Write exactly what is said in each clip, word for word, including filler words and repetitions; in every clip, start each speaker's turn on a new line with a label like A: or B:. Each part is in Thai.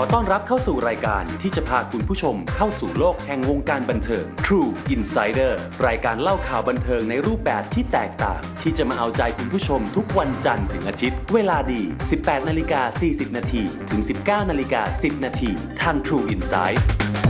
A: ต้อนรับเข้าสู่รายการที่จะพาคุณผู้ชมเข้าสู่โลกแห่งวงการบันเทิง True Insider รายการเล่าข่าวบันเทิงในรูปแบบที่แตกต่างที่จะมาเอาใจคุณผู้ชมทุกวันจันทร์ถึงอาทิตย์เวลาดี สิบแปดนาฬิกาสี่สิบนาทีถึง สิบเก้านาฬิกาสิบนาทีทาง True Insight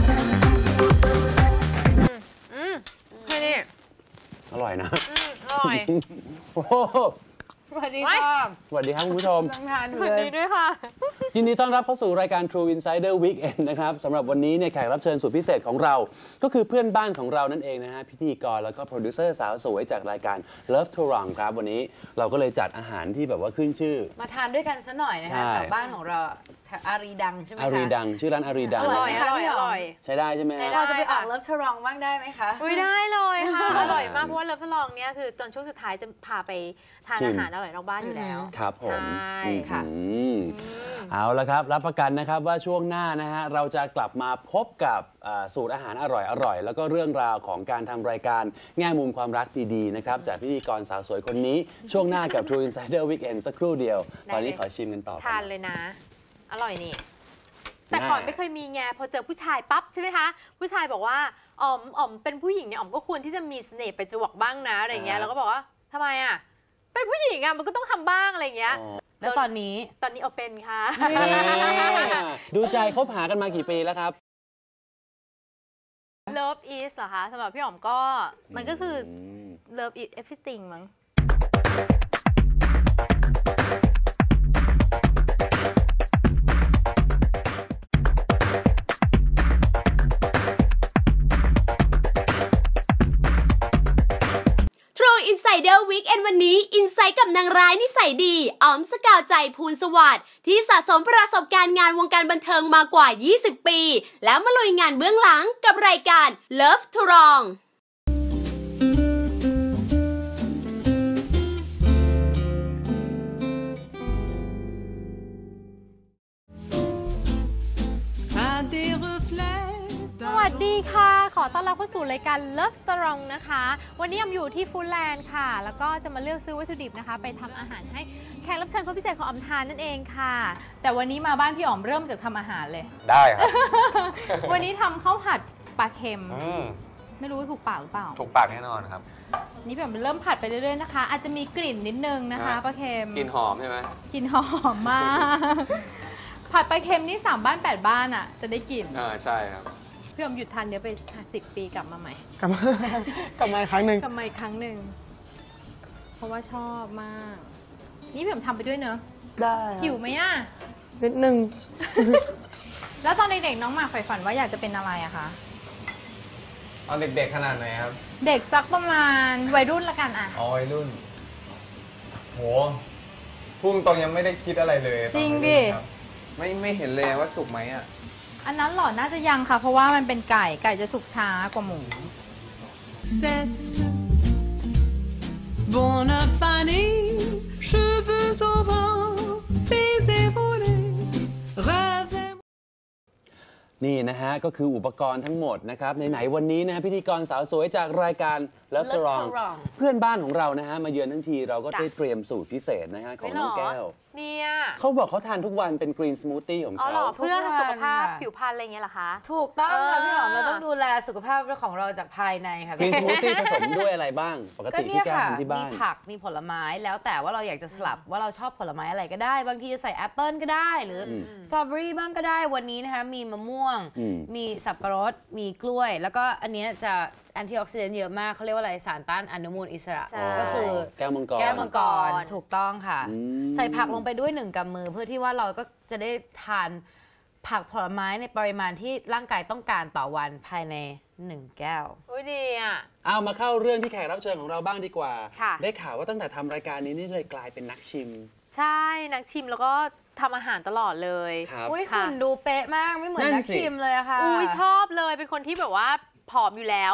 B: อืมแค่นี้
C: อร่อยนะ
B: อร่อย
C: โอ้
D: สวัสดีค่ะ
C: สวัสดีครับคุณผู้ชม
B: สวัสดีด้วยค่ะ
C: ยินดีต้อนรับเข้าสู่รายการ True Insider Weekend นะครับสำหรับวันนี้เนี่ยแขกรับเชิญสุดพิเศษของเราก็คือเพื่อนบ้านของเรานั่นเองนะฮะพิธีกรแล้วก็โปรดิวเซอร์สาวสวยจากรายการ Love to Run ครับวันนี้เราก็เลยจัดอาหารที่แบบว่าขึ้นชื่อ
D: มาทานด้วยกันซะหน่อยนะคะแถวบ้านของเราอารีดังใช่ไหมคะ
C: อารีดังชื่อร้านอารีดัง
B: อร่อยอร่อยอร่อย
C: ใช้ได้ใช่ไหม
D: เราจะไปออก Love to Run บ้างได้ไหมคะ
B: ไม่ได้เลยค่ะอร่อยมากเพราะว่า Love to Run เนี่ยคือตอนช่วงสุดท้ายจะพาไปทานอาหารอร่อยนอกบ้านอยู่แล้ว
C: ครับผม
B: ใช่
D: ค่ะ
C: เอาละครับรับประกันนะครับว่าช่วงหน้านะฮะเราจะกลับมาพบกับสูตรอาหารอร่อยๆแล้วก็เรื่องราวของการทำรายการแง่มุมความรักดีๆนะครับจากพิธีกรสาวสวยคนนี้ช่วงหน้ากับ True Insider Weekend สักครู่เดียวตอนนี้ขอชิมกันต่อ
B: ทานเลยนะอร่อยนี่แต่ก่อนไม่เคยมีไงพอเจอผู้ชายปั๊บใช่ไหมคะผู้ชายบอกว่าอ๋อมอ๋อมเป็นผู้หญิงเนี่ยอ๋อมก็ควรที่จะมีเสน่ห์ไปจวกบ้างนะอะไรเงี้ยแล้วก็บอกว่าทำไมอ่ะเป็นผู้หญิงอ่ะมันก็ต้องทำบ้างอะไรเงี้ย
D: แล้วตอนนี้
B: ตอนนี้เอาเป็นค่ะ
C: ดูใจคบหากันมากี่ปีแล้วครับ
B: Love is เหรอคะสำหรับพี่อ๋อมก็มันก็คือ Love is everything มั้ง
E: Insider Weekend วันนี้อินไซต์กับนางร้ายนิสัยดีอ๋อมสกาวใจภูลสวัสดิ์ที่สะสมประสบการณ์งานวงการบันเทิงมากว่ายี่สิบปีแล้วมาลุยงานเบื้องหลังกับรายการ Love to Run
B: สวัสดีค่ะขอต้อนรับเข้าสู่รายการ Love to Run นะคะวันนี้ออมอยู่ที่ฟู้ดแลนด์ค่ะแล้วก็จะมาเลือกซื้อวัตถุดิบนะคะไปทำอาหารให้แขกรับเชิญคนพิเศษของออมทานนั่นเองค่ะแต่วันนี้มาบ้านพี่อ๋อมเริ่มจากทำอาหารเลย
C: ได้ครับ
B: วันนี้ทำข้าวผัดปลาเค็มไม่รู้ว่าถูกปากหรือเปล่า
F: ถูกปากแน่นอนครับ
B: นี่พี่อ๋อมเริ่มผัดไปเรื่อยๆนะคะอาจจะมีกลิ่นนิดนึงนะคะปลาเค็ม
F: กลิ่นหอมใช่ไหม
B: กลิ่นหอมมากผัดปลาเค็มนี่สามบ้านแปดบ้านอ่ะจะได้กลิ่น
F: อ่าใช่ครับ
B: พี่อ๋อมหยุดทานเดี๋ยวไปสิบปีกลับมาใหม่
C: กลับมากลับมาอีกครั้งหนึ่ง
B: กลับมาอีกครั้งหนึ่งเพราะว่าชอบมากนี่พี่อ๋อมทำไปด้วยเนอะ
C: ได้
B: หิวไหมอ่ะ
C: นิดนึง
B: แล้วตอนเด็กๆน้องหมากใฝ่ฝันว่าอยากจะเป็นอะไรอะคะ
F: ตอนเด็กๆขนาดไหนครับ
B: เด็กสักประมาณวัยรุ่นละกันอะ
F: อ๋อวัยรุ่นโหพุ่งตรงยังไม่ได้คิดอะไรเลย
B: จริงดิ
F: ไม่ไม่เห็นเลยว่าสุกไหมอ่ะ
B: อันนั้นหรอน่าจะยังค่ะเพราะว่ามันเป็นไก่ไก่จะสุกช้ากว่าหมู
C: นี่นะฮะก็คืออุปกรณ์ทั้งหมดนะครับไหนๆวันนี้นะพิธีกรสาวสวยจากรายการ Love to Run เพื่อนบ้านของเรานะฮะมาเยือนทั้งทีเราก็ได้เตรียมสูตรพิเศษนะฮะของน้องแก้ว
B: เนี่ย
C: เขาบอกเขาทานทุกวันเป็นกรีนสมูทตี้ของเขา
B: เพื่อสุขภาพผิวพรรณอะไรเงี้ยเหรอคะ
D: ถูกต้องค่ะพี่หอมเราต้องดูแลสุขภาพของเราจากภายในค่ะ
C: กรีนสมูทตี้ผสมด้วยอะไรบ้างปกติที่แก้วทำที่บ้าน
D: มีผักมีผลไม้แล้วแต่ว่าเราอยากจะสลับว่าเราชอบผลไม้อะไรก็ได้บางทีจะใส่แอปเปิลก็ได้หรือสตรอเบอรี่บ้างก็ได้วันนี้นะคะมีมะม่วงมีสับปะรดมีกล้วยแล้วก็อันนี้จะแอนตี้ออกซิเดนต์เยอะมากเขาเรียกว่าอะไรสารต้านอนุมูลอิสระก็คือ
C: แก้วมังกร
D: แก้วมังกรถูกต้องค่ะใส่ผักลงไปด้วยหนึ่งกำมือเพื่อที่ว่าเราก็จะได้ทานผักผลไม้ในปริมาณที่ร่างกายต้องการต่อวันภายในหนึ่งแก้ว
B: โอ้ยดีอ่ะ
C: เอามาเข้าเรื่องที่แขกรับเชิญของเราบ้างดีกว่าได้ข่าวว่าตั้งแต่ทำรายการนี้นี่เลยกลายเป็นนักชิม
B: ใช่นักชิมแล้วก็ทำอาหารตลอดเลย
D: อุ้ยหุ่นดูเป๊ะมากไม่เหมือนนักชิมเลยอะค่ะ
B: อุ้ยชอบเลยเป็นคนที่แบบว่าผอมอยู่แล้ว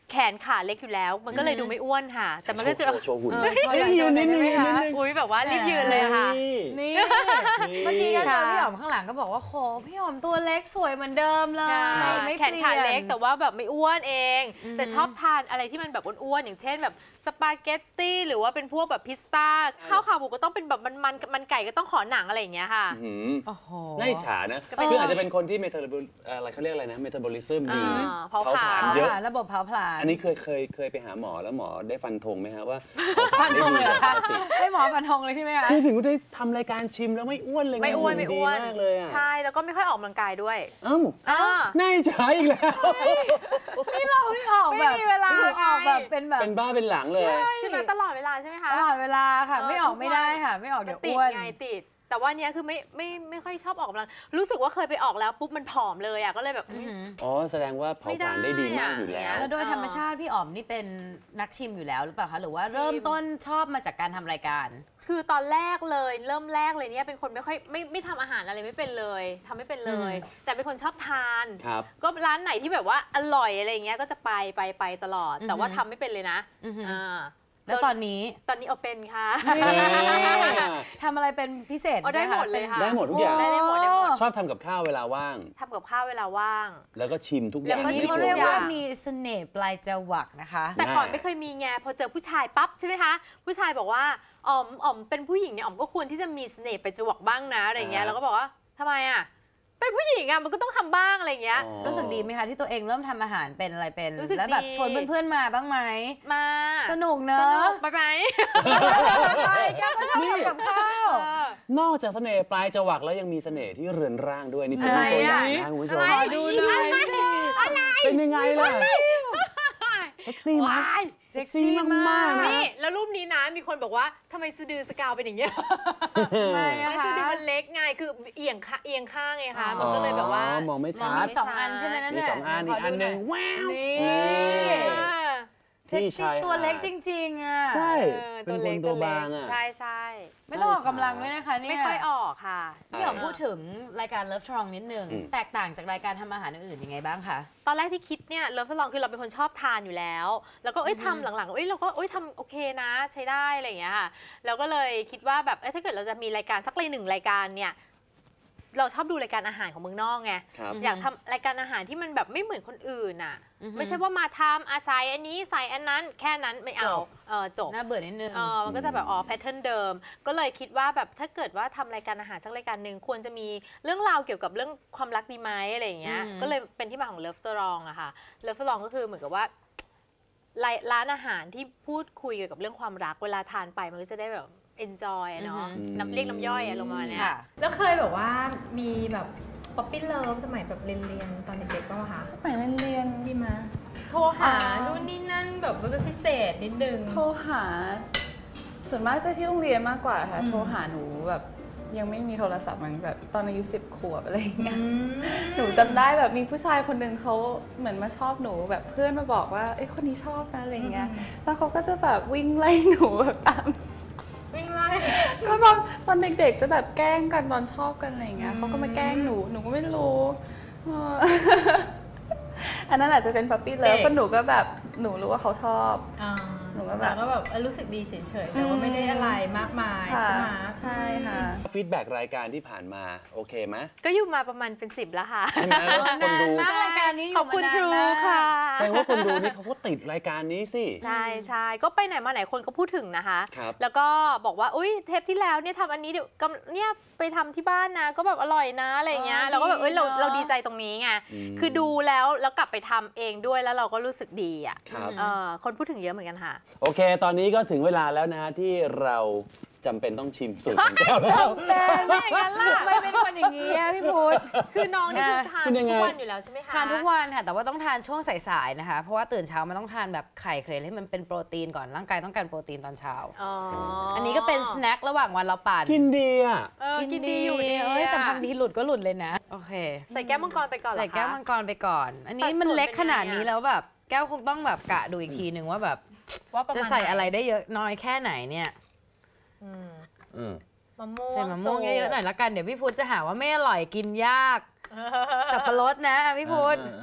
B: แขนขาเล็กอยู่แล้ว มันก็เลยดูไม่อ้วนค่ะ แต่มันก็จะ
C: โชว์หุ่น
D: เออโชว์หน่อย
C: ยืนนิดนึง
D: โชว์หน่อยได้ไหมคะ
B: อุ้ยแบบว่ารีบยืนเลยค่ะ
D: นี่เมื่อกี้ก็เจอพี่หอมข้างหลังก็บอกว่าโหพี่หอมตัวเล็กสวยเหมือนเดิมเลยไม่
B: แข
D: เป
B: น
D: ลี่ยน
B: ขาเล็กแต่ว่าแบบไม่อ้วนเอง
D: อือฮึ
B: แต่ชอบทานอะไรที่มันแบบอ้วนๆอย่างเช่นแบบสปาเกตตี้หรือว่าเป็นพวกแบบพิซซ่าข้าวขาหมูก็ต้องเป็นแบบมันๆมันไก่ก็ต้องขอหนังอะไรอย่างเงี้ยค่ะ
C: หืม
D: โอ้โห
C: น่าอิจฉานะ
B: ก็เป็น
C: คืออาจจะเป็นคนที่เมตาบอลอะไรเขาเรียกอะไรนะเมตาบอลิซึมดี
B: อ่าเผาผลาญ
C: เยอะ
D: ระบบเผาผลาญ
C: อันนี้เคยเคยเคยไปหาหมอแล้วหมอได้ฟันธงไหมฮะว่า
D: ฟันธงเลยเหรอคะ
C: ปกติ
D: ให้หมอฟันธงเลยใช่ไหมคะ
C: คือถึงได้ทำรายการชิมแล้วไม่อ้วนเลยง
B: ไม่อ้วน
C: หุ่
B: ไม่อ้วน
C: ดีมากเลยอ่ะ
B: ใช่แล้วก็ไม่ค่อยออกกำลังกายด้วย
C: เอ้า
B: อ่า
C: น่าอิจฉาอีกแล้ว
D: นี่เราที่ออกแบบ
B: ไม่มีเวลา
D: ออกแบบเป็นแบบ
C: เป็นบ้าเป็นหลังเลย
B: ใช่ไหมตลอดเวลาใช่ไหมคะ
D: ตลอดเวลาค่ะ
B: เออ
D: ไม่ออก
B: ทุกวัน
D: ไม่ได้ค่ะ ไม่ออก
B: มั
D: เดี๋ย
B: น
D: ว
B: ติด
D: อ้วน
B: ไงติด แต่ว่าเนี้ยคือไม่ไม่ไม่ค่อยชอบออกกำลังรู้สึกว่าเคยไปออกแล้วปุ๊บมันผอมเลยอ่ะก็เลยแบบ
D: อือหือ
C: อ๋อแสดงว่าเผาผลาญได้ดีมากอยู่แล้ว
D: แล้วโดยธรรมชาติพี่อ๋อมนี่เป็นนักชิมอยู่แล้วหรือเปล่าคะหรือว่าเริ่มต้นชอบมาจากการทำรายการ
B: คือตอนแรกเลยเริ่มแรกเลยเนี่ยเป็นคนไม่ค่อยไม่ไม่ทำอาหารอะไรไม่เป็นเลยทำไม่เป็นเลย แต่เป็นคนชอบทาน
C: ครับ
B: ก็ร้านไหนที่แบบว่าอร่อยอะไรอย่างเงี้ยก็จะไปไปไปตลอด แต่ว่า
D: อือหือ
B: ทำไม่เป็นเลยนะ
D: อือหืออ่
B: า
D: แล้วตอนนี้
B: ตอนนี้เอาเป็นค่ะ
D: ทำอะไรเป็นพิเศษ
B: เอาได้
D: หม
B: หมดเลยค่ะ
C: ได้หมดทุกอย่าง
B: ได้ได้หมดได้หมด
C: ชอบทำกับข้าวเวลาว่าง
B: ทำกับข้าวเวลาว่าง
C: แล้วก็ชิมทุกอ
B: แล้
C: ย่าง
B: วก็
D: อย่างนี้
B: ชิม
D: เขาเรียกว่า
B: ทุกอย่าง
D: มีเสน่ห์ปลายจวักนะคะ
B: แต่ก่อนไม่เคยมีไงพอเจอผู้ชายปั๊บใช่ไหมคะผู้ชายบอกว่าอ๋อมอ๋อมเป็นผู้หญิงเนี่ยอ๋อมก็ควรที่จะมีเสน่ห์ไปจวักบ้างนะอะไรอย่างเงี้ย
C: อ่า
B: แล้วก็บอกว่าทำไมอ่ะเป็นผู้หญิงอ่ะมันก็ต้องทำบ้างอะไรอย่างเงี้ย
C: อ๋อ
D: รู้สึกดีไหมคะที่ตัวเองเริ่มทำอาหารเป็นอะไรเป็น
B: รู้สึก
D: แล้วแบบ
B: ดี
D: ชวนเพื่อนๆมาบ้างไหม
B: มา
D: สนุกเน
B: ส
D: อะ
B: นุกไปไหม
D: ใช่แกก็ชอบทำกับข้าว
B: เออ
C: นอกจากเสน่ห์ปลายจวักแล้วยังมีเสน่ห์ที่เรือนร่างด้วยนี่เป็น
D: อะไร
C: ตัวอย่าง
D: อ่ะ
C: นะคุณผู้ชม
B: อะไร
D: ดูหน่อย
C: เป็นยังไงล่ะเซ็กซี่ไหม
B: ว้าย
D: เซ็กซี่มาก
B: นี่แล้วรูปนี้นะมีคนบอกว่าทำไมสะดือสกาวเป็นอย่างเงี้ย
D: ทำไมอะ
B: ไม่
D: คะ
B: สะดือมันเล็กไงคือเอียงข้างเอียงข้างไงคะมันก็เลยแบบว่า
C: อ๋อมองไม่
D: ม
C: ชั
D: อง
C: ด
D: มีสองอันใช่ไหมนั่น
C: มี
D: แหละ
C: สองอันอีกอันหนึ่งว้าว
D: นี่
C: นี่
B: เออ
D: เซ็ก
C: ที่
D: ซี่
C: ชายหาด
D: ตัวเล็กจริง ๆอ่ะ
C: ใช่
B: เออ
C: เป็น
B: ตัว
C: ค
B: เล็
C: น
B: ก
C: ตัว
B: เล็ก
C: บางอ่ะ
B: ใช่ใช่
D: ไม่ต้องออกกำลังด้วยนะคะเนี่ย
B: ไม่ค่อยออกค่ะ
D: พี่หอมพูดถึงรายการ Love Strong นิดนึง
C: อืม
D: แตกต่างจากรายการทำอาหารอื่นๆยังไงบ้างคะ
B: ตอนแรกที่คิดเนี่ยเลิฟทดลองคือเราเป็นคนชอบทานอยู่แล้ว แล้วก็เอ้ยทำหลังๆเอ้ยเราก็เอ้ยทำโอเคนะใช้ได้อะไรอย่างเงี้ยค่ะแล้วก็เลยคิดว่าแบบเอ้ยถ้าเกิดเราจะมีรายการสักเลยหนึ่งรายการเนี่ยเราชอบดูรายการอาหารของเมืองนอกไง
C: ครับ
B: อยากทำรายการอาหารที่มันแบบไม่เหมือนคนอื่นอ่ะ
D: อือฮึ
B: ไม่ใช่ว่ามาทำอาศัยอันนี้ใส่อันนั้นแค่นั้นไม่เอา
D: จบ
B: เออจบ
D: น่าเบื่อนิดนึง
B: เออมันก็จะแบบอ๋อแพทเทิร์นเดิม ก็เลยคิดว่าแบบถ้าเกิดว่าทำรายการอาหารสักรายการหนึ่งควรจะมีเรื่องราวเกี่ยวกับเรื่องความรักดีไหมอะไรอย่างเงี้ย
D: อืม
B: ก็เลยเป็นที่มาของเลิฟสตรองอะค่ะเลิฟสตรองก็คือเหมือนกับว่าร้านร้านอาหารที่พูดคุยเกี่ยวกับเรื่องความรักเวลาทานไปมันก็จะได้แบบ enjoy อะเนาะ
D: อือหือ
B: น้ำเรียกน้ำย่อยอะลงมาเนี่ย
D: ค่ะ
G: แล้วเคยแบบว่ามีแบบป๊อปปี้เลิฟสมัยแบบเรียนเรียนๆตอนเด็กๆป่ะคะ
H: สมัยเรียน
G: มีมาโทรหานู่นนี่นั่นแบบว่าเป็นพิเศษนิดนึง
H: ๆโทรหา ส่วนมากจะที่โรงเรียนมากกว่าค่ะ
G: อืม
H: โทรหาหนูแบบยังไม่มีโทรศัพท์มันแบบตอนอายุสิบขวบอะไรอย่างเงี้ย
G: อืม
H: หนูจำได้แบบมีผู้ชายคนหนึ่งเขาเหมือนมาชอบหนูแบบเพื่อนมาบอกว่าเอ้ยคนนี้ชอบนะอะไรอย่างเงี้ย แล้วเขาก็จะแบบวิ่งไล่หนูแบบตาม
G: วิ่งไล่
H: ก็ตอนตอนเด็กๆจะแบบแกล้งกันตอนชอบกันอะไรอย่างเงี้ย
G: อืม
H: เขาก็มาแกล้งหนูหนูก็ไม่รู้เออ อันนั้นอาจจะเป็นปั๊ปปี้เลิฟเพราะหนูก็แบบหนูรู้ว่าเขาชอบ
G: อ่า
H: หนูก็แบบ
G: ล้วก็แบบเออรู้สึกดีเฉยๆแต่ว่าไม่ได้อะไรมากมาย
H: ค่ะ
G: ใช่ไหม
H: ใช่ค่ะ
C: ฟีดแบ็กรายการที่ผ่านมาโอเคไหม
B: ก็อยู่มาประมาณเป็นสิบแล้วค่ะ
C: ใช่ไหมคนดู
D: มากรายการนี้อยู่
B: ขอบคุณ
D: มานาน
B: ครู
D: มาก
B: ค่ะ
C: แสดงว่าคนดูนี่เขาก็ติดรายการนี้สิ
B: ใช่ใช่ก็ไปไหนมาไหนคนก็พูดถึงนะคะ
C: ครับ
B: แล้วก็บอกว่าอุ้ยเทปที่แล้วเนี่ยทำอันนี้เดี๋ยวกำเนี่ยไปทำที่บ้านนะก็แบบอร่อยนะอะไรอย่างเงี้ย
D: อ๋อ
B: เราก็แบบเอ้ยเรา
D: ดีเนอะ
B: เราดีใจตรงนี้ไง
C: อืม
B: คือดูแล้วแล้วกลับไปทำเองด้วยแล้วเราก็รู้สึกดีอ่ะ
C: ครับ
B: เออคนพูดถึงเยอะเหมือนกันค่ะ
C: โอเค ตอนนี้ก็ถึงเวลาแล้วนะฮะที่เราจำเป็นต้องชิมสูตรของแก้วแล้ว
B: เป็นไม่อย่างนั้นล่ะ
D: ทำไมเป็นคนอย่างนี้อะพี่พุทธ
B: คือน้องนี่คือทาน
C: คุณยังไง
B: ทุกวันอยู่แล้วใช่ไหมคะ
D: ทานทุกวันค่ะแต่ว่าต้องทานช่วงสายๆนะคะ เพราะว่าตื่นเช้ามันต้องทานแบบไข่เคยให้มันเป็นโปรตีนก่อนร่างกายต้องการโปรตีนตอนเช้า
B: อ๋อ
D: อั
B: อั
D: นนี้ก็เป็นสแน็คระหว่างวันเราปั่น
C: กินดีอ่ะ
B: เออกินดีอยู่ดี
D: เอ้ยแต่บางทีหลุดก็หลุดเลยนะ โอเค
B: ใส่แก้วมังกรไปก่อนเหรอ
D: ใส่
B: คะ
D: แก้วมังกรไปก่อน อันนี้
B: สัดส่วน
D: มันเล็ก
B: เป็น
D: ขนาด
B: ยังไงอะ
D: นี้แล้วแบบแก้วคงต้องแบบกะดูอีกทีหนึ่งว่าแบบ
G: ว่าประมาณ
D: จะใส่อะไร
G: หน
D: ได้เยอะน้อยแค่ไหนเนี่ย
G: อืม
C: อืม
G: มะม่วง
D: ใส่มะม่วงเยอะๆหน่อยละกันเดี๋ยวพี่พุทธจะหาว่าไม่อร่อยกินยาก
G: เออ
D: สับปะรดนะพี่พุทธ
C: อ่าอ่า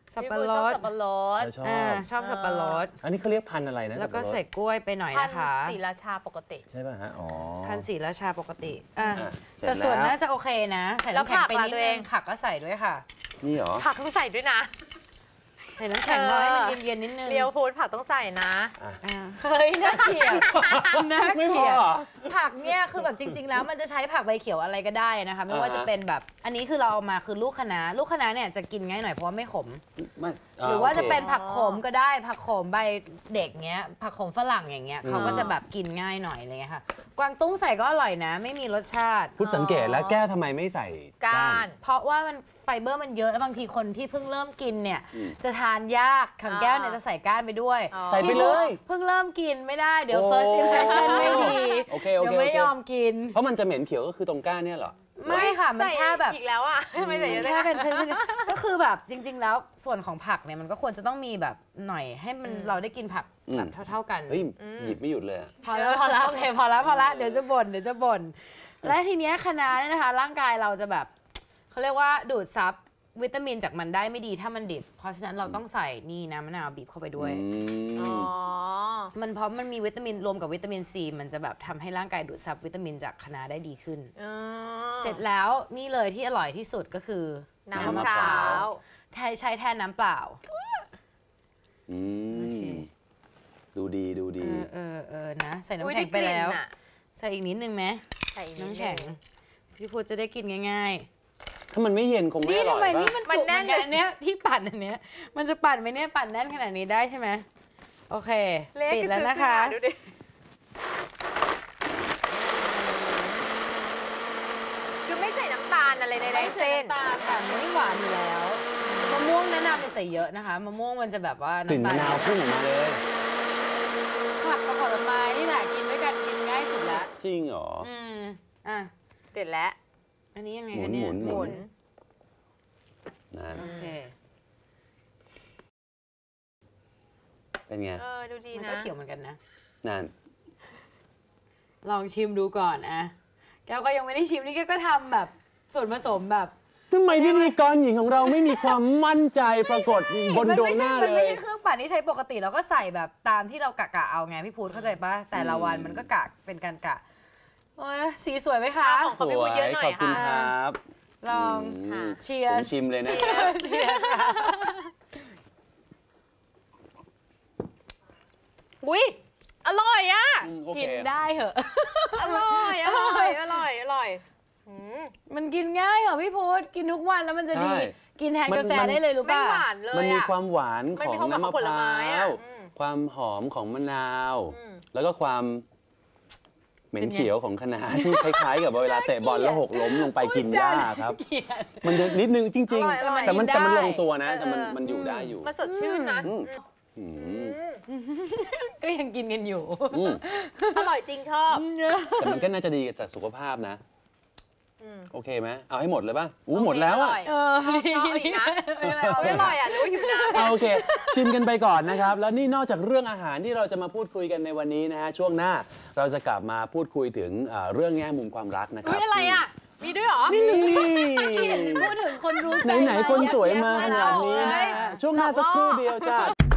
D: สับ
B: พี่
D: ปะ
B: ปู
D: ร
B: ชอบ
D: ด
B: สับปะรด
C: ชอบ
D: อ่าชอบสับปะรด
C: อันนี้เขาเรียกพันธุ์อะไรนะ
D: แล้วก็
C: สับปะรด
D: ใส่กล้วยไปหน่อย
B: พัน
D: นะคะ
B: สีราชาปกติ
C: ใช่ป่ะฮะอ๋อ
D: พันสีราชาปกติอ่ะ
C: อ่ะเสร็
D: สั
C: จ
D: ดส่วน
C: แล้ว
D: น่าจะโอเคนะใส่
B: แล้ว
D: น้ำแข็ง
B: ผัก
D: ไป
B: ล่ะ
D: นิด
B: ตัวเอ
D: นึ
B: ง
D: งผักก็ใส่ด้วยค่ะ
C: นี่เหรอ
B: ผักต้องใส่ด้วยนะ
D: ใส่น้ำแข็ง
B: เออ
D: ร้อยมันเย็นๆนิดนึง
B: เรียวฟูดผักต้องใส่นะ
D: อ่ะเฮ้ยน่าเกลียดน่า
C: ไม่
D: เก
C: พ
D: ลี
C: อย
D: ด
C: เหรอ
D: ผักเนี่ยคือแบบจริง ๆ แล้วมันจะใช้ผักใบเขียวอะไรก็ได้นะคะไม่ว่า
C: อ่าฮะ
D: จะเป็นแบบอันนี้คือเราเอามาคือลูกคะน้าลูกคะน้าเนี่ยจะกินง่ายหน่อยเพราะว่าไม่ขม
C: ไม่
D: หรือว่าจะ
C: โค
D: เป็นผักโขมก็ได้ผักโขมใบเด็กเงี้ยผักโขมฝรั่งอย่างเงี้ย
C: อืม
D: เขาก็จะแบบกินง่ายหน่อยอะไรเงี้ยค่ะกวางตุ้งใส่ก็อร่อยนะ ไม่มีรสชาติ
C: พุทธสังเกตแล้วแก้วทำไมไม่ใส่
B: ก้าน
D: เพราะว่ามันไฟเบอร์มันเยอะแล้วบางทีคนที่เพิ่งเริ่มกินเนี่ย
C: อืม
D: จะทานยากขังแก้วเนี่ยจะใส่ก้านไปด้วย
B: อ๋อ
C: ใส่ไปเลย
D: เพิ่งเริ่มกินไม่ได้เดี๋ยว
C: โอ้
D: first impression ไม่ดี
C: โอเคโอเค
D: เดี๋ยวไม่
C: โอเค
D: ยอมกิน
C: เพราะมันจะเหม็นเขียวก็คือตรงก้านเนี่ยเหรอ
D: ไม่ค่ะมันแค่แบบ
B: อีกแล้วอ่ะไม่ใส่เยอะเลย
D: แค่
B: อะ
D: เป็นเส้นๆก็คือแบบจริง ๆ แล้วส่วนของผักเนี่ยมันก็ควรจะต้องมีแบบหน่อยให้มัน
B: อืม
D: เราได้กินผัก
C: อืม
D: แบบเท่า ๆกัน
C: เฮ้ยหยิบไม่หยุดเลยอะ
D: พอแล้วพอแล้วโอเคพอแล้วพอแล้วเดี๋ยวจะบ่นเดี๋ยวจะบ่นและทีเนี้ยคะน้าเนี่ยนะคะ ร่างกายเราจะแบบเขาเรียกว่าดูดซับวิตามินจากมันได้ไม่ดีถ้ามันดิบเพราะฉะนั้นเราต้องใส่นี่น้ำมะนาวบีบเข้าไปด้วย
C: อืม
B: อ๋อ
D: มันเพราะมันมีวิตามินรวมกับวิตามินซีมันจะแบบทำให้ร่างกายดูดซับวิตามินจากคะน้าได้ดีขึ้น
B: อ๋อ
D: เสร็จแล้วนี่เลยที่อร่อยที่สุดก็คือ
B: น้ำมะพร้าว
D: แทนใช้แทนน้ำเปล่า
C: อื
D: โอเค
C: มดูดีดู
D: เอ
C: ดี
D: อเออเออนะใส่
B: อุ๊ย
D: น้ำแข็งไปแล้ว
B: ด้กลิ่นอะ
D: ใส่อีกนิดนึงไหม
B: ใส่อีกนิด
D: น้ำแข็ง
B: นึง
D: พี่พูดจะได้กินง่าย
C: ถ้ามันไม่เย็นคง
D: ๆ
C: ไม่
D: นี่
C: อร่
D: ทำ
C: อย
D: ไม
C: ปะ
D: นี่มันจุกเหมือนกันอันเนี้ยที่ปั่นอันเนี้ยมันจะปั่นไหมเนี่ยปั่นแน่นขนาดนี้ได้ใช่ไหมโอเค
B: เละ
D: ปิดแล้วนะคะ
B: ดูดิคือไม่ใส่น้ำตาลอะไรใน
D: ไม่
B: เส้
D: ใส่
B: น
D: น้ำตาลค่ะมันไม่หวานอยู่แล้วมะม่วงแนะนำให้ใส่เยอะนะคะมะม่วงมันจะแบบว่าก
C: ลิ่น
D: น้ำ
C: มะ
D: ตาล
C: นาวพุ่งออกมาเลย
D: ผักกับผลไม้นี่แหละกินด้วยกันกินง่ายสุดละ
C: จริงเหรอ
D: อืมอ่ะ
B: เสร็จแล้ว
D: อันนี้ยังไง
C: หมุ
D: คะ
C: น
D: เนี่
C: ห
D: ย
C: มุน
B: หมุน
C: นั่น
D: โอเค
C: เป็นไง
B: เออดูดี
D: มัน
B: นะ
D: ก็เขียวเหมือนกันนะ
C: นั่น
D: ลองชิมดูก่อนอะแก้วก็ยังไม่ได้ชิมนี่แก้วก็ทำแบบส่วนผสมแบบ
C: ทำไมพิธีกรหญิงของเราไม่มีความมั่นใจปรากฏบน
D: มั
C: ดวง
D: ไม่
C: ห
D: ใช่
C: น้า
D: มัน
C: เล
D: ไม่
C: ย
D: ใช่เครื่องปั่นที่ใช้ปกติเราก็ใส่แบบตามที่เรากะกะเอาไงพี่พูดเข้าใจปะแต่ละวันมันก็กะเป็นการกะโอ้ยสีสวยไหมคะ
B: ของเขาพี่พูดเยอะหน่อ
C: ข
B: ย
C: อบคุณ
B: ค่ะ
C: ครับ
D: ลอง
C: อืม
D: เชีย
C: ผ
D: ร์
C: มชิมเลยนะ
D: เชียร์ค่ะ
B: อุ้ยอร่อยอ่ะ
C: อืมโอเค
D: กินได้เหอะ
B: อร่อยอร่อยอร่อยอร่อยอืม
D: มันกินง่ายเหรอพี่พูดกินทุกวันแล้วมันจะดี
C: ใช่
D: กินแทน
C: มัน
D: กาแฟ
C: มัน
D: ได้เลยรู้
B: ไม่
D: ป่ะ
B: หวานเลย
C: มันมี
B: อะ
C: ความหวาน
B: มัน
C: ขอ
B: มี
C: ง
B: ความหวาน
C: น้ำมะ
B: ของผ
C: พ
B: ล
C: ร้า
B: ไม้อะ
C: ว
B: อืม
C: ความหอมของมะนาว
B: อืม
C: แล้วก็ความเหม็น
D: เป็นไง
C: เขียวของคะน้าที่คล้ายๆ กับเวลาเตะบอลแล้วหกล้มลงไปกินหญ้าครับ
D: เกลียด
C: มันจะนิดนึงจริง
B: อร่อยอร่อย
C: ๆ แต่มัน
D: กินได้
C: แต่มันลงตัวนะ แต่มัน
B: เออ
C: มันอยู่ได้อยู่
B: มันสดชื่นนะ
C: อืม อืม
D: ก็ยังกินกันอยู่
C: อืม
B: อร่อยจริงชอบ
C: แต่มันก็น่าจะดีกับสุขภาพนะ
B: อืม
C: โอเคไหมเอาให้หมดเลยป่ะอู้หมดแล้วอ่ะ
D: เออ
B: ชอบอีกนะเอาไม่อร่อยอ่ะหรือว่าหิวน้ำ
C: เอาโอเค ชิมกันไปก่อนนะครับ แล้วนี่นอกจากเรื่องอาหารที่เราจะมาพูดคุยกันในวันนี้นะฮะช่วงหน้าเราจะกลับมาพูดคุยถึงเอ่อเรื่องแง่มุมความรักนะค
B: อุ้
C: รับ
B: ยอะไรอ่ะ มีด้วยเหรอ
C: นี่
D: พูดถึงคนรู้ใจ
C: ไหนๆคนสวยมาขนาดนี้นะฮะช่วงหน้าสักครู่เดียวจ้า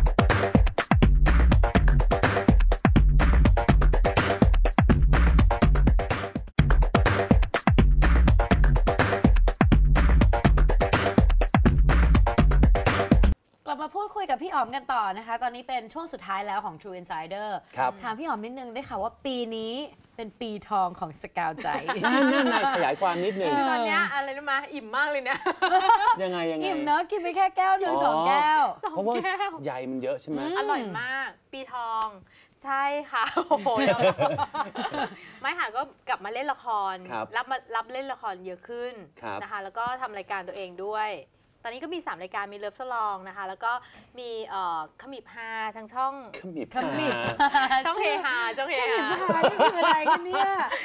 D: กลับมาพูดคุยกับพี่อ๋อมกันต่อนะคะ ตอนนี้เป็นช่วงสุดท้ายแล้วของ True Insider
C: ครับ
D: ถามพี่อ๋อมนิดนึงได้ค่ะว่าปีนี้เป็นปีทองของสกาวใจ
C: นั่นนั่นนายขยายความนิดหนึ่ง
B: ตอนเนี้ยอะไรรู้ไหมอิ่มมากเลยเนี่ย
C: ยังไงยังไง
D: อิ่มเนอะกินไปแค่แก้วหนึ่ง
C: อ๋อ
D: สองแก้ว
B: สอง
C: เพราะว่า
B: แก้ว
C: ใยมันเยอะใช่ไหม
B: อร่อยมาก ปีทอง ใช่ค่ะ โอ้โหแล้วไม่ค่ะก็กลับมาเล่นละคร
C: ครับ
B: รับมารับเล่นละครเยอะขึ้น
C: ครับ
B: นะคะ แล้วก็ทำรายการตัวเองด้วย ตอนนี้ก็มีสามรายการมีเลิฟสลองนะคะ แล้วก็มีเอ่อขมิบฮาทางช่อง
C: ขมิบ
D: ขมิบ
C: หา
B: ช่องเฮฮาช่องเฮฮา
D: ค่ะนี่คืออะไรกันเนี่ย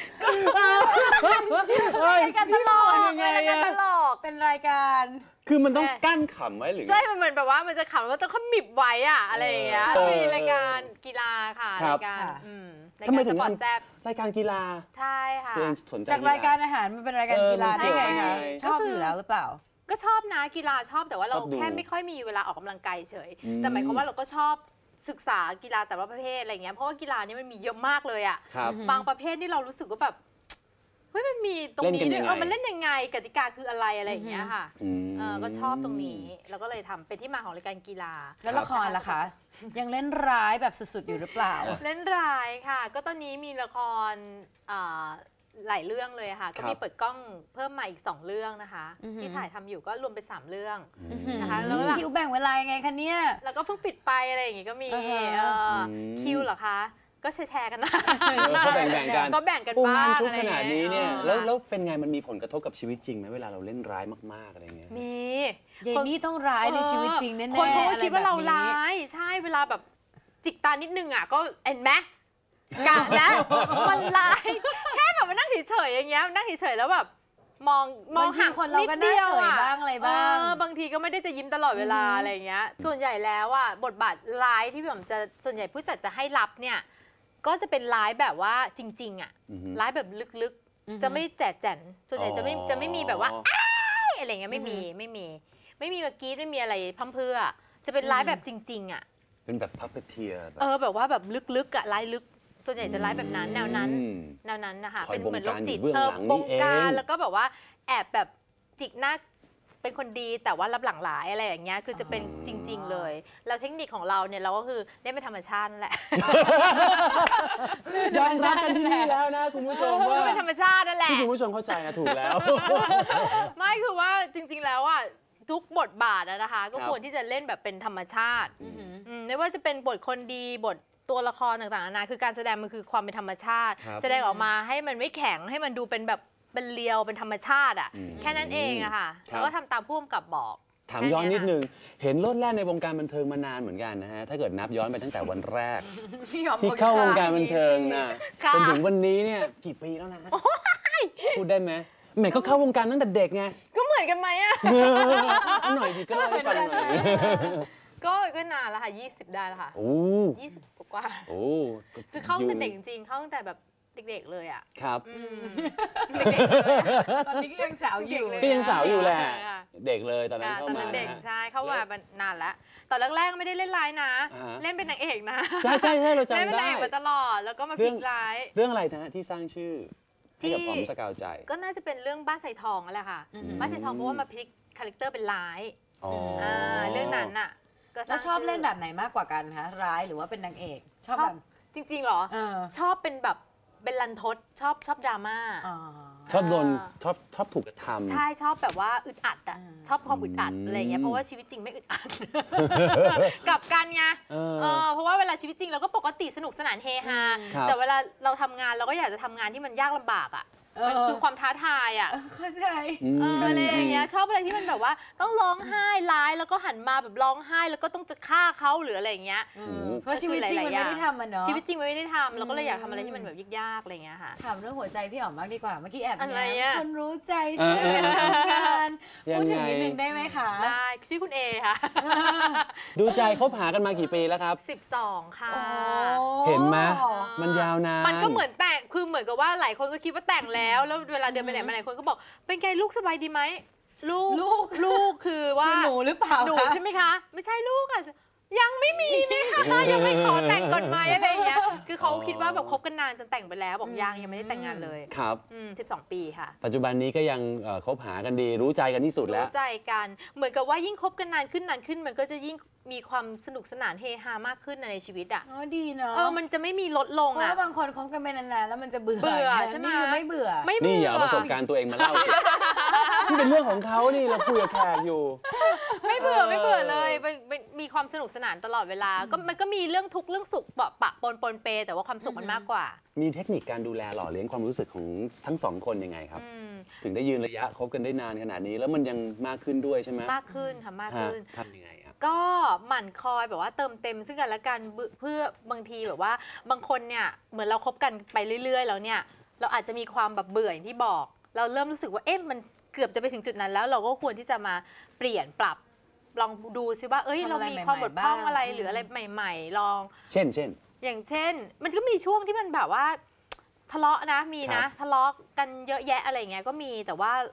C: เฮ้ย
B: รายการตลก
C: ยังไง
B: รายการ
C: อะ
B: ตลก
D: เป็นรายการ
C: คือมันต้องกั้นขำไว้หรือ
B: ใช่ มันเหมือนแบบว่ามันจะขำแล้วก็ต้องขมิบไว้อะอะไรอย่างเงี้ย
C: เออ
B: มีรายการกีฬาค่ะ
C: ครับ
B: รายการ
D: ค่ะ
B: อืมราย
C: ทำไม
B: การ
C: ถึ
B: ส
C: ง
B: ปอร์ต
C: ทำ
B: แซ่บ
C: รายการกีฬา
B: ใช่ค่ะ
C: ตัวเองสนใจ
D: จากรายการอาหารมันเป็นรายการ
C: เออ
D: กีฬา
C: มัน
D: ได้
C: เกี่ยว
D: ไง
C: ยังไง
D: คะชอบอยู่แล้วหรือเปล่า
B: ก็ชอบนะกีฬาชอบแต่ว่าเรา
C: ชอบดู
B: แค่ไม่ค่อยมีเวลาออกกำลังกายเฉย
C: อืม
B: แต่หมายความว่าเราก็ชอบศึกษากีฬาแต่ละประเภทอะไรเงี้ยเพราะว่ากีฬานี้มันมีเยอะมากเลยอ่ะ
C: ครับ
B: บางประเภทที่เรารู้สึกว่าแบบเฮ้ยมันมีตรงนี้
C: เล่นกัน
B: ด้วย
C: ยังไง
B: เออมันเล่นยังไงกติกาคืออะไรอะไรอย่างเงี้ยค่ะ
C: อืม
B: เออก็ชอบตรงนี้แล้วก็เลยทำเป็นที่มาของรายการกีฬา
D: แล้วละครล่ะคะ ยังเล่นร้ายแบบสุดๆอยู่หรือเปล่า
B: เล่นรายค่ะ ก็ตอนนี้มีละครอ่าหลายเรื่องเลยค่ะ ก็มีเปิดกล้องเพิ่มมาอีกสองเรื่องนะคะ
D: อือหือ
B: ที่ถ่ายทำอยู่ก็รวมเป็นสามเรื่อง
C: อืม
B: นะคะแล้วหลัง
D: คิวแบ่งเวลายังไงคะเนี่ย
B: แล้วก็เพิ่งปิดไปอะไรอย่างงี้ก็มี
D: อ่าฮะ
B: เอออ
C: ม
B: คิวเหรอคะ ก็แชร์ๆกันนะ
C: เออก็แบ่งๆกัน
B: ก็แบ่งกัน
C: ปู
B: บ้าง
C: านชุก
B: อะไร
C: ข
B: อย่ง
C: นาด
B: งี้
C: นี้เนี่ย
B: ออ
C: แล้วแล้วเป็นไงมันมีผลกระทบกับชีวิตจริงไหมเวลาเราเล่นร้ายมากๆอะไรเงี้ย
B: มี
D: เยนนี่ต้องร้ายในชีวิตจริงแน่ๆ
B: คนเขาก็คิดว่าเรา
D: อะไรแบบนี้
B: ร้ายใช่เวลาแบบจิกตานิดนึงอ่ะก็เห็นไหมกะแล้วมันร้ายแค่แบบมานั่งเฉยๆอย่างเงี้ยนั่งเฉยๆแล้วแบบมองมอง
D: บางที
B: ห่าง
D: คนเราก็
B: นิดเดียว
D: น่าเฉย
B: อะ
D: บ้างอะไรบ้าง
B: เออบางทีก็ไม่ได้จะยิ้มตลอดเวลาอะไรอย่างเงี้ย ส่วนใหญ่แล้วอ่ะบทบาทร้ายที่ผมจะส่วนใหญ่ผู้จัดจะให้รับเนี่ยก็จะเป็นร้ายแบบว่าจริง ๆอ่ะ
C: อือฮึ
B: ร้ายแบบลึกๆ จะไม่แจกแจนส่วนใหญ่จะไม่จะไม่มีแบบว่าอ้ายอะไรเงี้ยไม่มีไม่มี ไม่มีเมื่อกี้ไม่มีอะไรพั่มเพรื่อจะเป็นร้ายแบบจริง ๆ อ่ะ
C: เป็นแบบพับเทียแบบ
B: เออแบบว่าแบบลึกๆอ่ะร้ายลึกส่วนใหญ่จะร้ายแบบนั้นแนวนั้น
C: อืม
B: แนวนั้นนะคะ
C: คอย
B: เป็นเหมือนโรคจิต
C: บงการอยู่เบื้องหลัง
B: บ
C: นี่
B: ง
C: เอง
B: การแล้วก็แบบว่าแอบแบบจิกหน้าเป็นคนดีแต่ว่ารับหลังหลายอะไรอย่างเงี้ยคือจะเป็นจริง ๆ เลยแล้วเทคนิคของเราเนี่ยเราก็คือเล่นเป็นธรรมชาตินั่นแหละ
C: ยอมรับกันที่นี่แล้วนะคุณผู้ชมว่า
B: เป็นธรรมชาตินั่นแหละ
C: ที่คุณผู้ชมเข้าใจนะถูกแล้ว
B: ไม่คือว่าจริง ๆ แล้วอ่ะทุกบทบาทอะนะคะ ก็
C: ครับ
B: ควรที่จะเล่นแบบเป็นธรรมชาติอืมไม่ว่าจะเป็นบทคนดีบทตัวละครต่างๆนานาคือการแสดงมันคือความเป็นธรรมชาติ
C: ครับ
B: แสดงออกมาให้มันไม่แข็งให้มันดูเป็นแบบเป็นเรียวเป็นธรรมชาติอ่ะ
C: อืม
B: แค่นั้นเองอะค่ะ
C: ครับ
B: แล้วก็ทำตามผู้กำกับบอก
C: ถามย้อนนิดนึง เห็นโลดแล่นในวงการบันเทิงมานานเหมือนกันนะฮะ ถ้าเกิดนับย้อนไปตั้งแต่วันแรก
D: พี่หอม
C: ที่เข้าวงการบันเทิงนะ
B: ค่ะ
C: จนถึงวันนี้เนี่ยกี่ปีแล้วนะพูดได้ไหมแหมก็เข้าวงการตั้งแต่เด็กไง
B: ก็เหมือนกันไหมอะ
C: เออเอาหน่อยดิก็เล่าให้ฟังหน่อย
B: ก็ก็นานแล้วค่ะยี่สิบได้แล้วค่ะ
C: โอ้
B: ยี่สิบกว่า
C: โอ้
B: คือเข้าตั้งแต่เด็กจริงๆเข้าตั้งแต่แบบเด็กๆเลยอะ
C: ครับ
B: อืมเด็กๆเลยอะ
D: ตอนนี้ก็ยังสาวอยู่
C: ก็ยังสาวอยู่แหละ
B: ค่ะ
C: เด็กเลยตอนนั้น
B: อ่า
C: เข้า
B: ตอน
C: มา
B: นั้นเด็ก
C: นะฮะ
B: ใช่เข้ามานานแล้วตอนแรกๆไม่ได้เล่นร้ายนะ
C: อ่าฮะ
B: เล่นเป็นนางเอกนะ
C: ใช่ใช่ใช่เราจำ
B: เล่นเป็น
C: ได้
B: นางเอกมาตลอดแล้วก็มาพ
C: เรื่
B: ลิ
C: อง
B: กร้าย
C: เรื่องอะไรนะที่สร้างชื่อให้กับ
B: ที่
C: อ๋อมสกาวใจ
B: ก็น่าจะเป็นเรื่องบ้านใส่ทองนั่นแหละค่ะ
D: อือหือ
B: บ้านใส่ทองเพราะว่ามาพลิกคาแรคเตอร์เป็นร้าย
C: อ๋ออ
B: อ่าเรื่องนั้นน่ะก็ส
D: แล้
B: ร้าว ง
D: ชอบ
B: ชื่
D: เล่นแบบไหนมากกว่ากันคะร้ายหรือว่าเป็นนางเอก ชอบแบบ
B: จริงๆเหรอ
D: เออ
B: ชอบเป็นแบบเป็นรันทดชอบชอบดราม่า
D: อ๋อ
C: ชอบโดน
B: อ่า
C: ชอบชอบถูกกระทำ
B: ใช่ชอบแบบว่าอึดอัดอ่ะ
D: อืม
B: ชอบความอึดอัด
C: อืม
B: อะไรเงี้ยเพราะว่าชีวิตจริงไม่อึดอัด กลับกันไง
C: เออ
B: เออเพราะว่าเวลาชีวิตจริงเราก็ปกติสนุกสนานเฮฮา
C: ครับ
B: แต่เวลาเราทำงานเราก็อยากจะทำงานที่มันยากลำบากอ่ะ
D: เออ
B: มันคือความท้าทายอ่ะ
D: เข้าใจ
C: อืม
B: เอออะไรอย่างเงี้ยชอบอะไรที่มันแบบว่าต้องร้องไห้ร้ายแล้วก็หันมาแบบร้องไห้แล้วก็ต้องจะฆ่าเขาหรืออะไรอย่างเงี้ย
D: เออเพราะชีวิตจริงมันไม่ได้ทำมันเนาะ
B: ชีวิตจริงมันไม่ได้ทำเราก็เลยอยาก
D: อืม
B: ทำอะไรที่มันแบบยากๆอะไรอย่างเงี้ยค่ะ
D: ถามเรื่องหัวใจพี่อ๋อมมากดีกว่า เมื่อกี้แอบ
B: อะไร
D: แง้
B: อะ
D: มคนรู้ใจช่วยกันทำงาน
C: ยัง
D: พูดถึง
C: ไง
D: นิดนึงได้ไหมคะ
B: ได้ชื่อคุณเอค่ะ
C: ดูใจคบหากันมากี่ปีแล้วครับ
B: สิบสองค่ะ
D: โอ้
C: เห็นไหมมันยาวนาน
B: มันก็เหมือนแต่งคือเหมือนกับว่าหลายคนก็คิดว่าแต่งแล้วแล้วเวลาเดินไปไหนมาไหนคนก็บอกเป็นไงลูกสบายดีไหมลูก
D: ลูก
B: ลูกคือว่า
D: คือหนูหรือเปล่า
B: หนู
D: คะ
B: ใช่ไหมคะ ไม่ใช่ลูกอ่ะยังไม่มีนี่ค่ะยังไม่ขอแต่งก่อนไหมอะไรอย่างเงี้ยคือเขาคิดว่าแบบคบกันนานจนแต่งไปแล้วบอกยังยังไม่ได้แต่งงานเลย
C: ครับ
B: อืมสิบสองปีค่ะ
C: ปัจจุบันนี้ก็ยังเอ่อคบหากันดี รู้ใจกันที่สุดแล้ว
B: รู้ใจกันเหมือนกับว่ายิ่งคบกันนานขึ้นนานขึ้น มันก็จะยิ่งมีความสนุกสนานเฮฮามากขึ้นในชีวิตอ่ะ
D: อ๋อดีเนาะ
B: เออมันจะไม่มีลดลง
D: เพราะ
B: อ่ะ
D: ว่าบางคนคบกันไปนานๆแล้วมันจะเบื่อ
B: เบื่อ
D: นะ
B: ใช่ไหม
D: นี่คือไม่เบื่อ
B: ไม่เบื่
C: นี่อย่าเอาประสบการณ์ตัวเองมาเล่าสินี่เป็นเรื่องของเขานี่เราคุยกับแขกอยู่
B: ไม่เบื่อไม่เบื่อเลยมันมันมีความสนุกสนานตลอดเวลาก็มันก็มีเรื่องทุกข์เรื่องสุขปะปะปนปนเปแต่ว่าความสุขมันมากกว่า
C: มีเทคนิคการดูแลหล่อเลี้ยงความรู้สึกของทั้งสองคนยังไงครับ
B: อืม
C: ถึงได้ยืนระยะคบกันได้นานขนาดนี้ แล้วมันยังมากขึ้นด้วยใช่ไหม
B: มากขึ้นค่ะมาก
C: ฮะ
B: ขึ้น
C: ทำยังไงครับ
B: ก็หมั่นคอยแบบว่าเติมเต็มซึ่งกันและกันเพื่อบางทีแบบว่าบางคนเนี่ยเหมือนเราคบกันไปเรื่อย ๆ แล้วเนี่ยเราอาจจะมีความแบบเบื่ออย่างที่บอก เราเริ่มรู้สึกว่าเอ๊ะมันเกือบจะไปถึงจุดนั้นแล้ว เราก็ควรที่จะมาเปลี่ยนปรับลองดูซิว่าเอ้ย
D: ทำ
B: เรา
D: อะไร
B: มีความบกพร่อง
D: ใหม่ๆบ้าง
B: อะไร
D: อืม
B: หรืออะไรใหม่ ๆ ลอง
C: เช่นเช่น
B: อย่างเช่น มันก็มีช่วงที่มันแบบว่าทะเลาะนะมีนะ
C: ครับ
B: ทะเลาะกันเยอะแยะอะไรอย่างเงี้ยก็มีแต่ว่า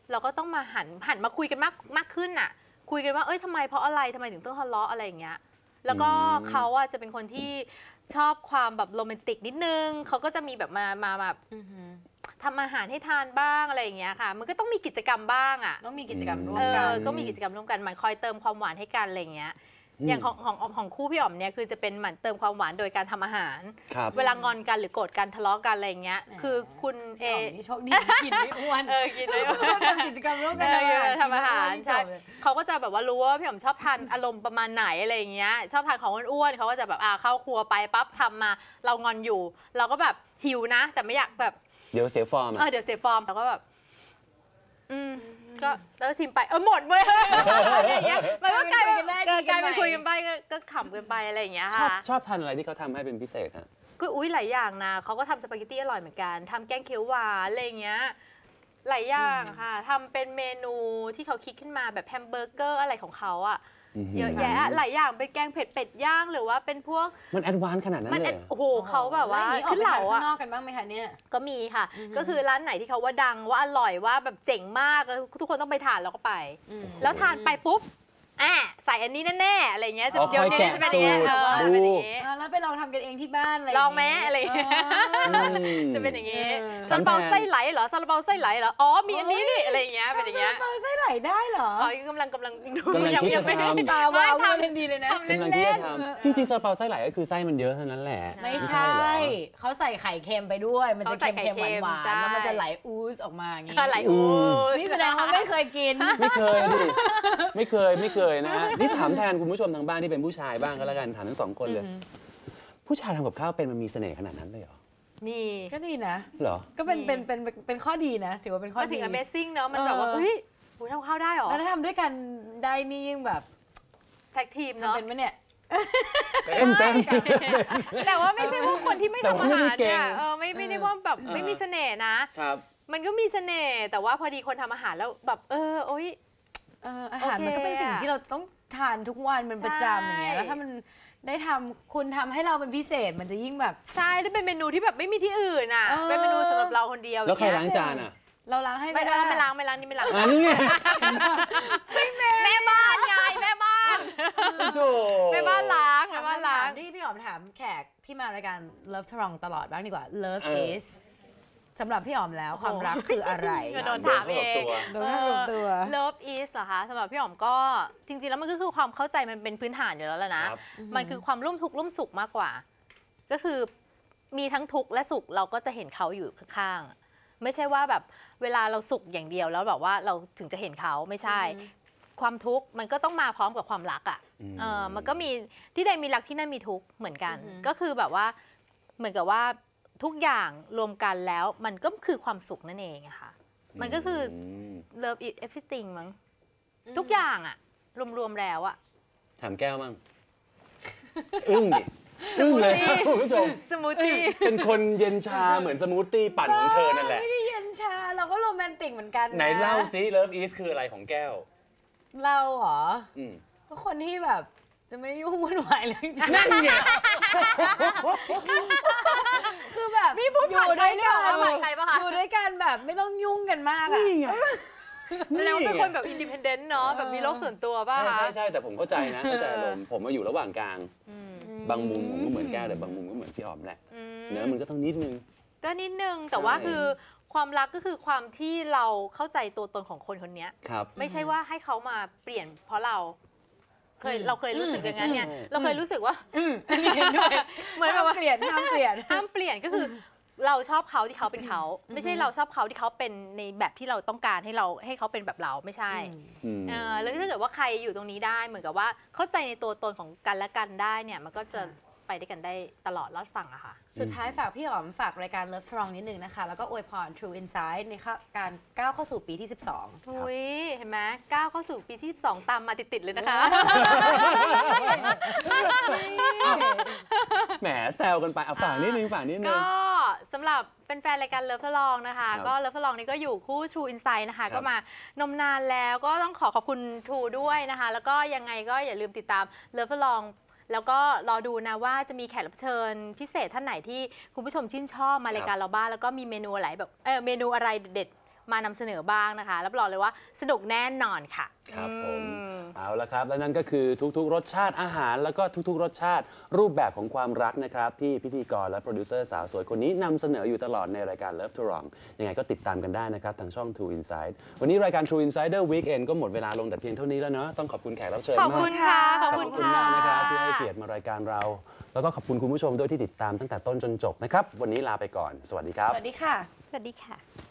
B: เราก็ต้องมาหันหันมาคุยกันมากมากขึ้นน่ะคุยกันว่าเอ้ยทำไมเพราะอะไรทำไมถึงต้องทะเลาะอะไรอย่างเงี้ยแล้วก็เขาอะจะเป็นคนที่ชอบความแบบโรแมนติกนิดนึงเขาก็จะมีแบบมามาแบบทำอาหารให้ทานบ้างอะไรอย่างเงี้ยค่ะมันก็ต้องมีกิจกรรมบ้างอะ
D: ต้องมีกิจกรรมร่ว
B: เอ
D: มกัน
B: อก็มีกิจกรรมร่วมกันหมันคอยเติมความหวานให้กันอะไรอย่างเงี้ยอย่างของของของคู่พี่อ๋อมเนี่ยคือจะเป็นหมั่นเติมความหวานโดยการทำอาหารเวลางอนกันหรือโกรธกันทะเลาะกันอะไรอย่างเงี้ยคือคุณเอ
D: โชคดีกินไม่อ้วน
B: เออกินไม่อ้วน
D: ทำกิจกรรมร่วมกัน
B: ทำอาหารใช่เขาก็จะแบบว่ารู้ว่าพี่อ๋อมชอบทานอารมณ์ประมาณไหนอะไรอย่างเงี้ยชอบทานของอ้วนๆเขาก็จะแบบอ่าเข้าครัวไปปั๊บทำมาเรางอนอยู่เราก็แบบหิวนะแต่ไม่อยากแบบ
C: เดี๋ยวเสียฟอร์ม
B: เออเดี๋ยวเสียฟอร์มเราก็แบบอืมก็แล้วชิมไปเออหมดเลยอะไรอย่างเงี้ยมันก็กลายเป็นกลายเป็นคุยกันไปก็ขำกันไปอะไรอย่างเงี้ยค่ะ
C: ชอบทานอะไรที่เขาทำให้เป็นพิเศษฮะ
B: ก็อุ้ยหลายอย่างนะเขาก็ทำสปาเกตตี้อร่อยเหมือนกันทำแกงเขียวหวานอะไรอย่างเงี้ยหลายอย่างค่ะทำเป็นเมนูที่เขาคิดขึ้นมาแบบแฮมเบอร์เกอร์อะไรของเขาอะเยอะแยะหลายอย่างเป็นแกงเผ็ดเป็ดย่างหรือว่าเป็นพวก
C: มันแอดวานซ์ขนาดนั้นเลย
B: โอ้โหเขาแบบว่า
D: ขึ้นเหล่าข้างนอกกันบ้างไหมคะเนี่ย
B: ก็มีค่ะก็คือร้านไหนที่เขาว่าดังว่าอร่อยว่าแบบเจ๋งมากทุกคนต้องไปทานแล้วก็ไปแล้วทานไปปุ๊บอ่ะใส่อันนี้แน่ๆอะไรเงี้ยจะ
C: เดี๋ยว
B: นี้จะเป็นอย่างเงี้ย
D: แล้วไปลองทำกันเองที่บ้านอะไร
B: ลองไหมอะไรจะเป็นอย่างงี้ซาลาเปาไส้ไหลเหรอซาลาเปาไส้ไหลเหรออ๋อมีอันนี้นี่อะไรอย่างเงี้ยเป็นอย่างเงี้ย
D: ซาลาเปาไส้ไหลได้เหรอ
B: อ๋อกำลังกำลังดู
C: ยังไม่ได้
D: ตาวาวเล่นดีเลยนะ
C: กำลังที่จะทำจริงๆซาลาเปาไส้ไหลก็คือไส้มันเยอะเท่านั้นแหละ
D: ไม่ใช่เขาใส่ไข่เค็มไปด้วยมันจะเค็มๆหวานๆแล้วมันจะไหลอูสออกมาอย่างงี้
B: ไหลอูส
D: นี่แสดงว่าไม่เคยกิน
C: ไม่เคยดิไม่เคยไม่เคยนะนี่ถามแทนคุณผู้ชมทางบ้านที่เป็นผู้ชายบ้างก็แล้วกันถามทั้งสองคนเลยผู้ชายทำกับข้าวเป็นมันมีเสน่ห์ขนาดนั้นเลยเหรอ
B: มี
D: ก็ดีนะ
C: เหรอ
D: ก็เป็นเป็นเป็นเป็นข้อดีนะถือว่าเป็นข้อดี
B: ถึง Amazing เนอะมันแบบว่าเฮ้ยทำข้าวได้หรอ
D: แล้วถ้าทำด้วยกันได้นี่ยิ่งแบบ
B: แท็กทีมเนาะ
D: เป็นไหมเนี่ย
C: เป็นเป็น
B: แต่ว่าไม่ใช่ว่าคนที่ไม่ทำอาหารเนี่ยเออไม่ไม่ได้ว่าแบบไม่มีเสน่ห์นะครับมันก็มีเสน่ห์แต่ว่าพอดีคนทำอาหารแล้วแบบเออโอ๊ย
D: อาหารมันก็เป็นสิ่งที่เราต้องทานทุกวันเป็นประจำอย่างเงี้ยแล้วถ้ามันได้ทำคุณทำให้เราเป็นพิเศษมันจะยิ่งแบบ
B: ใช่ได้เป็นเมนูที่แบบไม่มีที่อื่นอ่ะเป็นเมนูสำหรับเราคนเดียว
C: แล้วใครล้างจานอ่ะ
D: เราล้างให้
B: ไม่ได้ไม่ล้างไม่ล้างนี่ไม่ล้าง
C: อันนี้ไง
B: แม่บ้านไงแม่บ้านแม่บ้านล้างแม่บ้านล้าง
D: ที่พี่หอมถามแขกที่มารายการ Love Strong ตลอดบ้างดีกว่า Love isสำหรับพี่อ๋อมแล้วความรักคืออะไร
B: โดนถามเอง
D: โดนถามตัว
B: Love is เหรอคะสำหรับพี่อ๋อมก็จริงๆแล้วมันก็คือความเข้าใจมันเป็นพื้นฐานอยู่แล้วแหละนะมันคือความร่วมทุกข์ร่วมสุขมากกว่าก็คือมีทั้งทุกข์และสุขเราก็จะเห็นเขาอยู่ข้างๆไม่ใช่ว่าแบบเวลาเราสุขอย่างเดียวแล้วแบบว่าเราถึงจะเห็นเขาไม่ใช่ความทุกข์มันก็ต้องมาพร้อมกับความรักอ่ะเออมันก็มีที่ใดมีรักที่นั่นมีทุกข์เหมือนกันก็คือแบบว่าเหมือนกับว่าทุกอย่างรวมกันแล้วมันก็คือความสุขนั่นเองอะค่ะมันก็คือ love it everything มั้งทุกอย่างอะรวมๆแล้วอะ
C: ถามแก้วมั้งอึ้งดิอึ้งเลยคุณผู้ชม
B: สมูทตี้
C: เป็นคนเย็นชาเหมือนสมูทตี้ปั่นของเธอนั่นแหละ
D: ไม่ได้เย็นชาเราก็โรแมนติกเหมือนกัน
C: ไหนเล่าซิ love is คืออะไรของแก้ว
D: เราเหรอก็คนที่แบบจะไม่ยุ่งวุ่นวายเลย
C: นั่นไง
D: คือแบบ
B: อยู่ด้วยกัน
D: อยู่ด้วยกันแบบไม่ต้องยุ่งกันมากอ่ะ
B: แสดงว่าเป็นคนแบบอินดิเพนเดนต์เนาะแบบมีโลกส่วนตัวป่ะ
C: ใช่ใช่ใช่แต่ผมเข้าใจนะเข้าใจอารมณ์ผมมาอยู่ระหว่างกลางบางมุมผมก็เหมือนแก้วแต่บางมุมก็เหมือนพี่อ๋อมแหละเนื้อมันก็ต้องนิดนึง
B: ก็นิดนึงแต่ว่าคือความรักก็คือความที่เราเข้าใจตัวตนของคนคนนี้ไม่ใช่ว่าให้เขามาเปลี่ยนเพราะเราเคยเราเคยรู้สึกอย่างนั้นเนี่ยเราเคยรู้สึกว่า
D: เหมือนแบบเปลี่ยนห้ามเปลี่ยน
B: ห้ามเปลี่ยนก็คือเราชอบเขาที่เขาเป็นเขาไม่ใช่เราชอบเขาที่เขาเป็นในแบบที่เราต้องการให้เราให้เขาเป็นแบบเราไม่ใช่แล้วถ้าเกิดว่าใครอยู่ตรงนี้ได้เหมือนกับว่าเข้าใจในตัวตนของกันและกันได้เนี่ยมันก็จะไปด้วยกันได้ตลอดรอดฝั่งอะค่ะ
D: สุดท้ายฝากพี่อ๋อมฝากรายการ Love Strong นิดนึงนะคะแล้วก็อวยพร True Insight ในการก้าวเข้าสู่ปีที่สิบสอง
B: อุ้ยเห็นไหมก้าวเข้าสู่ปีที่สิบสองตามมาติดๆเลยนะคะ
C: แหมแซวกันไปเอาฝากนิดนึงฝากนิดนึง
B: ก็สำหรับเป็นแฟนรายการ Love Strong นะคะก็ Love Strong นี่ก็อยู่คู่ True Insight นะคะก็มานมนานแล้วก็ต้องขอขอบคุณ True ด้วยนะคะแล้วก็ยังไงก็อย่าลืมติดตาม Love Strongแล้วก็รอดูนะว่าจะมีแขกรับเชิญพิเศษท่านไหนที่คุณผู้ชมชื่นชอบมารายการเราบ้างแล้วก็มีเมนูอะไรแบบเออเมนูอะไรเด็ดมานำเสนอบ้างนะคะรับรองเลยว่าสนุกแน่นอนค่ะ
C: ครับผม
B: อืม
C: เอาละครับและนั่นก็คือทุกๆ รสชาติอาหารแล้วก็ทุกๆ รสชาติรูปแบบของความรักนะครับที่พิธีกรและโปรดิวเซอร์สาวสวยคนนี้นำเสนออยู่ตลอดในรายการ Love to Wrong ยังไงก็ติดตามกันได้นะครับทางช่อง True Insight วันนี้รายการ True Insider Weekend ก็หมดเวลาลงแต่เพียงเท่านี้แล้วเนาะต้องขอบคุณแขกรับเชิญ
B: ข
C: มาก
B: อบคุณค่ะขอบ
C: ข
B: คุ
C: อบ
B: ณ
C: คุณ
B: ค่ะ
C: มากนะครับที่ให้เกียรติมารายการเรา แล้วก็ขอบคุณคุณผู้ชมด้วยที่ติดตามตั้งแต่ต้นจนจบนะครับวันนี้ลาไปก่อนสวัสดีครับ
D: สวัสดีค่ะ
B: สวัสดีค่ะ